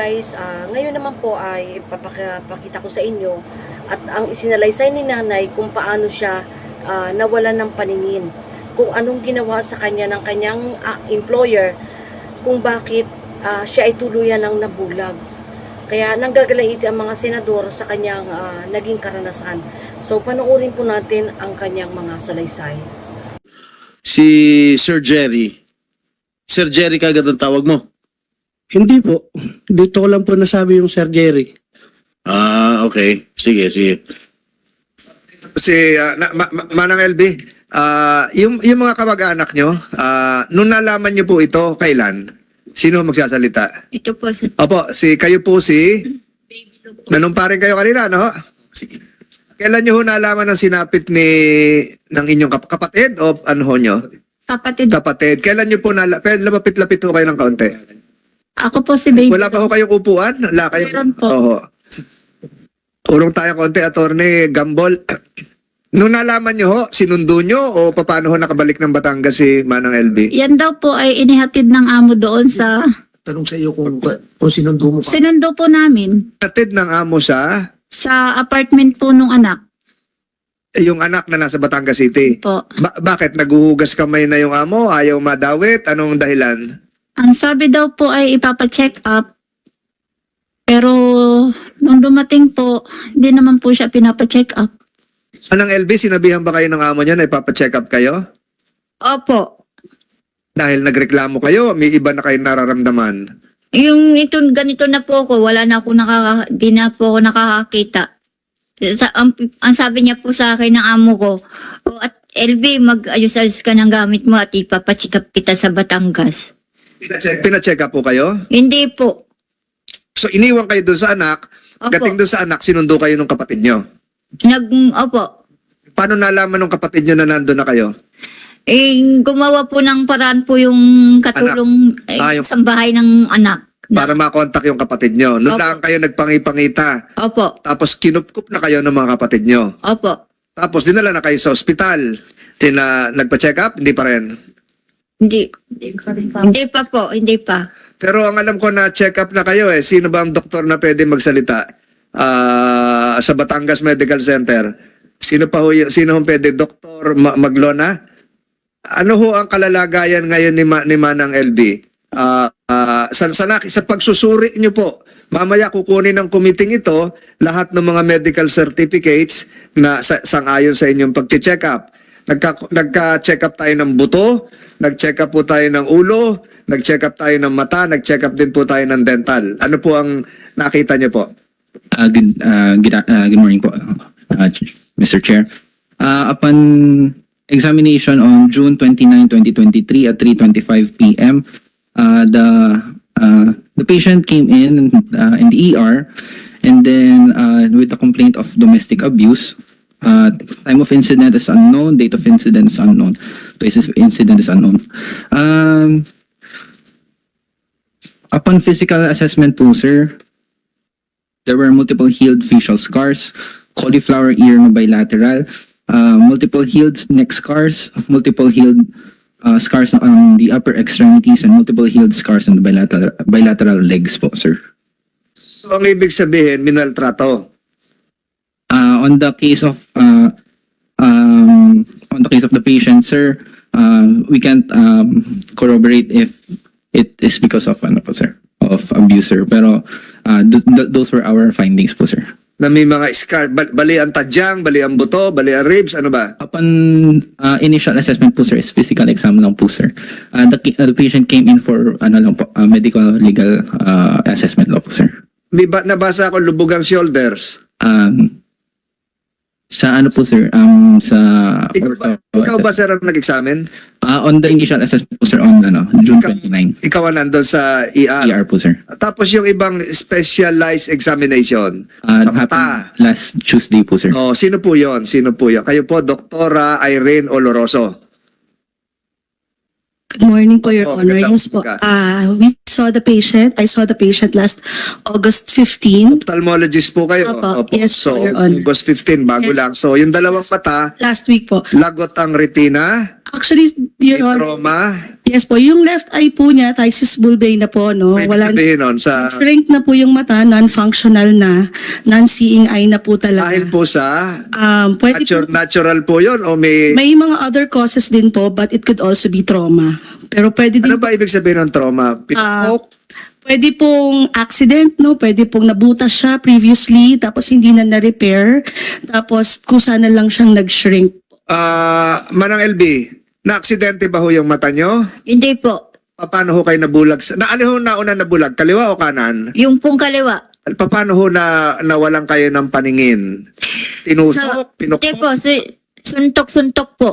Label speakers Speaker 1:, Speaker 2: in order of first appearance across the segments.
Speaker 1: guys, ngayon naman po ay papakita ko sa inyo at ang isinalaysay ni nanay kung paano siya nawalan ng paningin. Kung anong ginawa sa kanya ng kanyang employer, kung bakit siya ay tuluyan ng nabulag. Kaya nanggagalaiti ang mga senador sa kanyang naging karanasan. So panoorin po natin ang kanyang mga salaysay.
Speaker 2: Si Sir Jerry. Sir Jerry kagad ang tawag mo?
Speaker 3: Hindi po. Dito ko lang po nasabi yung Sir Jerry.
Speaker 2: Okay. Sige, sige.
Speaker 4: Manang LB, yung mga kamag-anak nyo, nung nalaman nyo po ito, kailan? Sino magsasalita?
Speaker 5: Ito po sa
Speaker 4: Opo, kayo po nanumparin kayo kanina, no? Sige. Kailan nyo ho nalaman ng sinapit ng inyong kapatid o ano ho nyo?
Speaker 5: kapatid.
Speaker 4: Kapatid. Kailan nyo po lapit-lapit ho kayo ng kaunti?
Speaker 5: Ako po si Baby.
Speaker 4: Wala pa ho kayong upuan? Wala kayo?
Speaker 5: Meron po.
Speaker 4: Oo. Urong tayo konti, Attorney Gambol. Nung nalaman nyo ho, sinundo nyo o paano ho nakabalik ng Batangas si Manang LB?
Speaker 5: Yan daw po ay inihatid ng amo doon sa...
Speaker 6: Tanong sa iyo kung sinundo mo ka.
Speaker 5: Sinundo po namin
Speaker 4: Hatid ng amo sa
Speaker 5: apartment po nung anak
Speaker 4: yung anak na nasa Batangas City.
Speaker 5: po.
Speaker 4: Bakit? Naguhugas kamay na yung amo? Ayaw madawit? Anong dahilan?
Speaker 5: Ang sabi daw po ay ipapacheck up. Pero nung dumating po, hindi naman po siya pinapacheck up.
Speaker 4: Manang LB, sinabihan ba kayo ng amo niya na ipapacheck up kayo?
Speaker 5: Opo.
Speaker 4: Dahil nagreklamo kayo, may iba na kayo nararamdaman.
Speaker 5: Yung ito, ganito na po ako, wala na ako di na po ako nakakakita. Ang sabi niya po sa akin ng amo ko, at LB, mag-ayos-ayos ka ng gamit mo at ipapacheck up kita sa Batangas.
Speaker 4: Pinacheck up po kayo?
Speaker 5: Hindi po.
Speaker 4: So iniwan kayo doon sa anak,
Speaker 5: Opo.
Speaker 4: gating doon sa anak, sinundo kayo ng kapatid nyo.
Speaker 5: Opo.
Speaker 4: Paano nalaman ng kapatid nyo na nandun na kayo?
Speaker 5: Gumawa po ng paraan po yung katulong
Speaker 4: Yung-
Speaker 5: sa bahay ng anak.
Speaker 4: Para makontak yung kapatid nyo. Noon
Speaker 5: Opo.
Speaker 4: lang kayo nagpangipangita.
Speaker 5: Opo.
Speaker 4: Tapos kinupkup na kayo ng mga kapatid nyo.
Speaker 5: Opo.
Speaker 4: Tapos dinala na kayo sa ospital. Nagpa-check up? Hindi pa rin.
Speaker 5: Hindi. Hindi pa po. Hindi pa.
Speaker 4: Pero ang alam ko na check up na kayo eh. Sino ba ang doktor na pwede magsalita? Sa Batangas Medical Center. Sino ho pwede? Dr. Maglona? Ano ho ang kalalagayan ngayon ni Manang LB? Sa pagsusuri nyo po, mamaya kukunin ng committee ito lahat ng mga medical certificates na sang-ayon sa inyong pag-check up. Nagka-check up tayo ng buto, nag-check up po tayo ng ulo, nag-check up tayo ng mata, nag-check up din po tayo ng dental. Ano po ang nakita niyo po?
Speaker 7: Good morning po, Mr. Chair. Upon examination on June 29, 2023 at 3:25 p.m., the patient came in the ER and then with a complaint of domestic abuse. Time of incident is unknown, date of incident is unknown, place of incident is unknown. Upon physical assessment po, sir, there were multiple healed facial scars, cauliflower ear na bilateral, multiple healed neck scars, multiple healed scars on the upper extremities, and multiple healed scars on the bilateral legs po, sir.
Speaker 4: So ang ibig sabihin, minaltrato.
Speaker 7: On the case of the patient, sir, we can't corroborate if it is because of of abuser. Pero those were our findings po, sir.
Speaker 4: Na may mga scar, bali ang tadyang, bali ang buto, bali ang ribs, ano ba?
Speaker 7: Upon initial assessment po, sir, is physical exam lang po, sir. The patient came in for medical legal assessment lang po, sir.
Speaker 4: May nabasa ako lubog ang shoulders.
Speaker 7: Sa ano po, sir?
Speaker 4: Ikaw ba sir ang nag-examine?
Speaker 7: On the initial assessment po, sir, on June 29.
Speaker 4: Ikaw ang nandun sa ER.
Speaker 7: ER po, sir.
Speaker 4: Tapos yung ibang specialized examination.
Speaker 7: Happened last Tuesday po, sir.
Speaker 4: Oh, sino po yon? Sino po yon? Kayo po, Doktora Irene Oloroso.
Speaker 8: Good morning po, Your Honor.
Speaker 4: magandang
Speaker 8: Yes po.
Speaker 4: umaga.
Speaker 8: We saw the patient. I saw the patient last August 15.
Speaker 4: Ophthalmologist po kayo.
Speaker 8: Opo. Yes
Speaker 4: so,
Speaker 8: po, Your Honor.
Speaker 4: August 15, bago
Speaker 8: Yes.
Speaker 4: lang. So, yung dalawang mata,
Speaker 8: Last week po.
Speaker 4: lagot ang retina.
Speaker 8: Actually, Your
Speaker 4: May
Speaker 8: Honor,
Speaker 4: trauma?
Speaker 8: yes po, yung left eye po niya, thysis bulbae na po, no?
Speaker 4: May
Speaker 8: Wala,
Speaker 4: sabihin nun sa...
Speaker 8: shrink na po yung mata, non-functional na, non-seeing eye na po talaga.
Speaker 4: Dahil po sa...
Speaker 8: Pwede po,
Speaker 4: Natural po yun o may...
Speaker 8: may mga other causes din po, but it could also be trauma. Pero pwede din
Speaker 4: Ano ba ibig sabihin ng trauma? Pinapok?
Speaker 8: pwede pong accident, no? Pwede pong nabutas siya previously, tapos hindi na na-repair, tapos kusa na lang siyang nag-shrink.
Speaker 4: Manang LB, na-aksidente ba ho yung mata nyo?
Speaker 5: Hindi po.
Speaker 4: Paano ho kayo nabulag? Alin ho nauna nabulag? Kaliwa o kanan?
Speaker 5: Yung pong kaliwa.
Speaker 4: Paano ho na nawalan kayo ng paningin? Tinusok?
Speaker 5: Hindi
Speaker 4: Pinukpok?
Speaker 5: po, suntok-suntok po.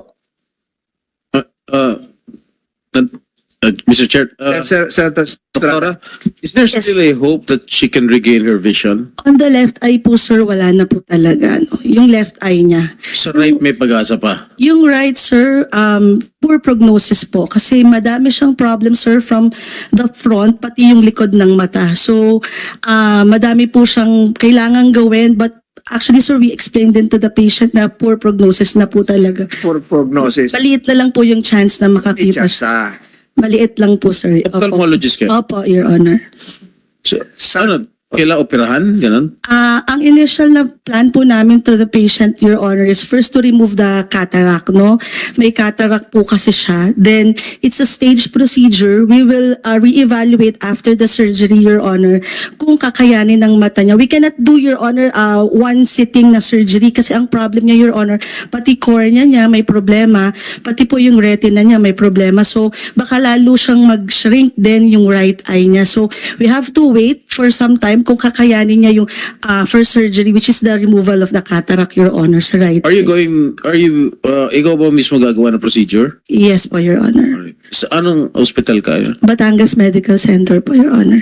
Speaker 2: Mr. Chair,
Speaker 4: Senator Estrada?
Speaker 2: Doctora, is there still a hope that she can regain her vision?
Speaker 8: On the left eye po, sir, wala na po talaga, no? Yung left eye niya.
Speaker 2: Sa right may pag-asa pa.
Speaker 8: Yung right, sir, poor prognosis po. Kasi madami siyang problem, sir, from the front, pati yung likod ng mata. So, madami po siyang kailangan gawin, but actually, sir, we explained din to the patient na poor prognosis na po talaga.
Speaker 4: For prognosis.
Speaker 8: Maliit na lang po yung chance na makakita siya.
Speaker 4: Sa...
Speaker 8: Maliit lang po, sir. Opo.
Speaker 2: Ophthalmologist ka?
Speaker 8: Opo, Your Honor.
Speaker 2: So, ano, kailangan operahan? Ganun?
Speaker 8: Ang initial na plan po namin to the patient, Your Honor, is first to remove the cataract, no? May cataract po kasi siya. Then, it's a staged procedure. We will reevaluate after the surgery, Your Honor, kung kakayanin ng mata niya. We cannot do, Your Honor, one sitting na surgery kasi ang problem niya, Your Honor, pati cornea niya may problema, pati po yung retina niya may problema. So, baka lalo siyang mag-shrink din yung right eye niya. So, we have to wait for some time kung kakayanin niya yung first surgery, which is the removal of the cataract, Your Honor, sa right
Speaker 2: Are you
Speaker 8: eye.
Speaker 2: ikaw ba mismo gagawa ng procedure?
Speaker 8: Yes po, Your Honor.
Speaker 2: Sa anong hospital ka?
Speaker 8: Batangas Medical Center po, Your Honor.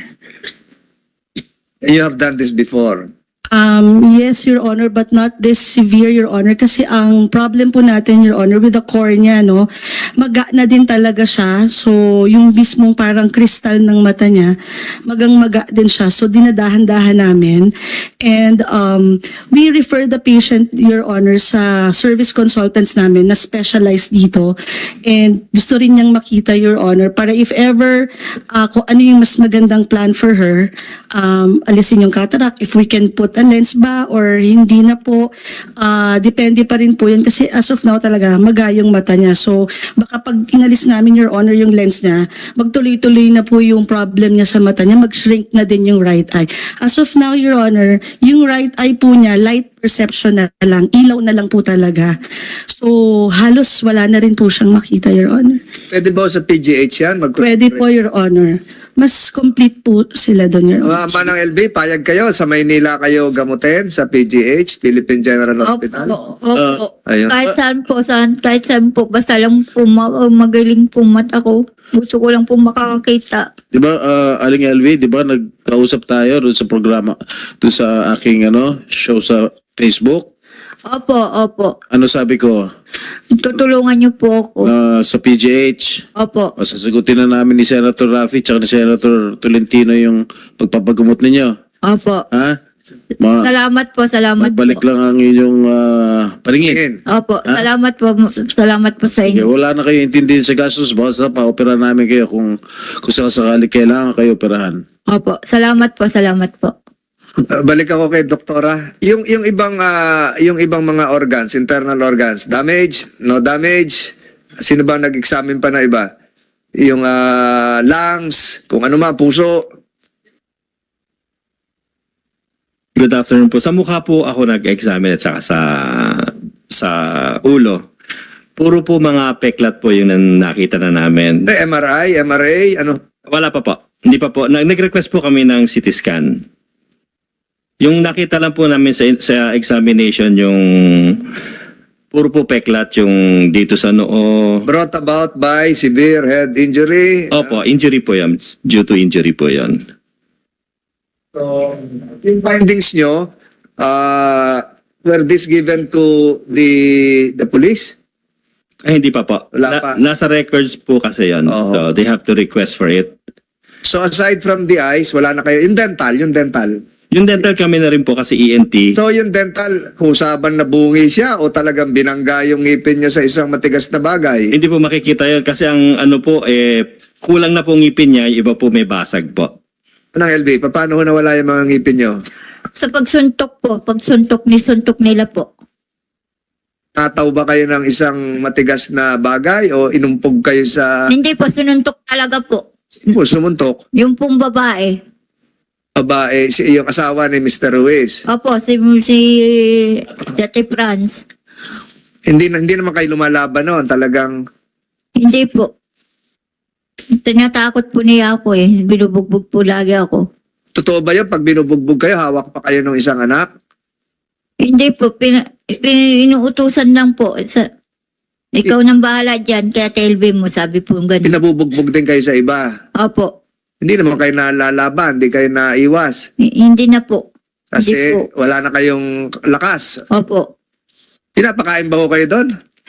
Speaker 4: You have done this before.
Speaker 8: Yes, Your Honor, but not this severe, Your Honor. Kasi ang problem po natin, Your Honor, with the cornea, no, maga na din talaga siya. So, yung mismong parang kristal ng mata niya, maga din siya. So, dinadahan-dahan namin. And we refer the patient, Your Honor, sa service consultants namin na specialized dito. And gusto rin niyang makita, Your Honor, para if ever kung ano yung mas magandang plan for her, alisin yung cataract, if we can put a lens ba or hindi na po, depende pa rin po yun kasi as of now talaga magayong mata niya. So baka pag inalis namin, Your Honor, yung lens niya, magtuloy-tuloy na po yung problem niya sa mata niya, mag-shrink na din yung right eye. As of now, Your Honor, yung right eye po niya, light perception na lang, ilaw na lang po talaga. So halos wala na rin po siyang makita, Your Honor.
Speaker 4: Pwede ba sa PGH yan?
Speaker 8: Pwede po, Your Honor. Mas complete po sila doon, Your Honor.
Speaker 4: Manang LB, payag kayo. Sa Maynila kayo gamutin sa PGH, Philippine General Hospital.
Speaker 5: Opo.
Speaker 4: Ayun.
Speaker 5: Kahit saan po, basta lang po magaling po mata ko. Gusto ko lang po makakakita.
Speaker 2: Di ba, Aling LV, di ba, nagkausap tayo doon sa programa, doon sa aking show sa Facebook.
Speaker 5: Opo.
Speaker 2: Ano sabi ko?
Speaker 5: Tutulungan niyo po ako.
Speaker 2: Sa PGH.
Speaker 5: Opo.
Speaker 2: Sasagutin na namin ni Senator Raffy tsaka ni Senator Tolentino yung pagpapagamot ninyo.
Speaker 5: Opo.
Speaker 2: Ha?
Speaker 5: Salamat
Speaker 2: Magbalik
Speaker 5: po.
Speaker 2: lang ang inyong paningin.
Speaker 5: Opo, salamat po sa
Speaker 2: Okay,
Speaker 5: inyo.
Speaker 2: wala na kayo intindihin sa gastos. Basta pa-opera namin kayo kung sakasakali kailangan kayo operahan.
Speaker 5: Opo, salamat po.
Speaker 4: Balik ako kay doktora. Yung ibang mga organs, internal organs, damage, no damage. Sino ba nag-examine pa na iba? Yung lungs, kung ano man, puso.
Speaker 9: Good afternoon po. Sa mukha po ako nag-examine at saka sa ulo. Puro po mga peklat po yung nakita na namin.
Speaker 4: MRI, ano?
Speaker 9: Wala pa po. Hindi pa po. Nag-request po kami ng CT scan. Yung nakita lang po namin sa examination yung puro po peklat yung dito sa noo.
Speaker 4: Brought about by severe head injury.
Speaker 9: Opo, injury po yan. Due to injury po yan.
Speaker 4: So, yung findings nyo, were this given to the police?
Speaker 9: Ay, hindi pa po.
Speaker 4: Wala pa.
Speaker 9: Nasa records po kasi yan.
Speaker 4: Oo.
Speaker 9: So, they have to request for it.
Speaker 4: So aside from the eyes, wala na kayo. Yung dental.
Speaker 9: Yung dental kami na rin po kasi ENT.
Speaker 4: So yung dental, kusaban na bungi siya o talagang binangga yung ngipin niya sa isang matigas na bagay?
Speaker 9: Hindi po makikita yun kasi ang ano po, kulang na po ngipin niya, yung iba po may basag po.
Speaker 4: Anong LV, paano ho nawala yung mga ngipin niyo?
Speaker 5: Sa pagsuntok po, suntok nila po.
Speaker 4: Nataw ba kayo ng isang matigas na bagay o inumpog kayo sa
Speaker 5: Hindi po, sununtok talaga po.
Speaker 4: sumuntok?
Speaker 5: Yung pong babae.
Speaker 4: Babae, yung asawa ni Mr. Ruiz.
Speaker 5: Opo, si Dati Franz.
Speaker 4: Hindi naman kayo lumalaban noon, talagang
Speaker 5: Hindi po. Tinatakot po niya ako eh. Binubugbog po lagi ako.
Speaker 4: totoo ba yun? Pag binubugbog kayo, hawak pa kayo ng isang anak?
Speaker 5: Hindi po, inuutusan lang po. Ikaw nang bahala dyan, kaya TLB mo, sabi po ganun.
Speaker 4: Pinabubugbog din kayo sa iba.
Speaker 5: Opo,
Speaker 4: Hindi naman kayo nalalaban, hindi kayo naiwas.
Speaker 5: hindi na po.
Speaker 4: Kasi
Speaker 5: Hindi po.
Speaker 4: wala na kayong lakas.
Speaker 5: Opo.
Speaker 4: Pinapakain ba ko kayo doon?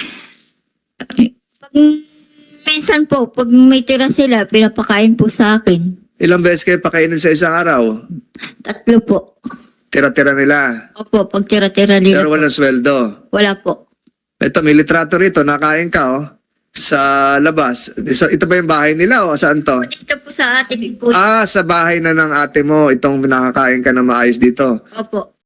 Speaker 5: Pag, minsan po, pag may tira sila, pinapakain po sa akin.
Speaker 4: Ilang beses kayo pakainin sa isang araw?
Speaker 5: 3 po.
Speaker 4: Tira-tira nila.
Speaker 5: Opo, pag tira-tira nila
Speaker 4: Pero
Speaker 5: po.
Speaker 4: walang sweldo.
Speaker 5: Wala po.
Speaker 4: Ito, may litrato rito, nakain ka sa labas. So, ito ba yung bahay nila o saan to?
Speaker 5: Dito po sa atin po.
Speaker 4: Sa bahay na ng ate mo, itong nakakain ka na maayos dito.
Speaker 5: Opo.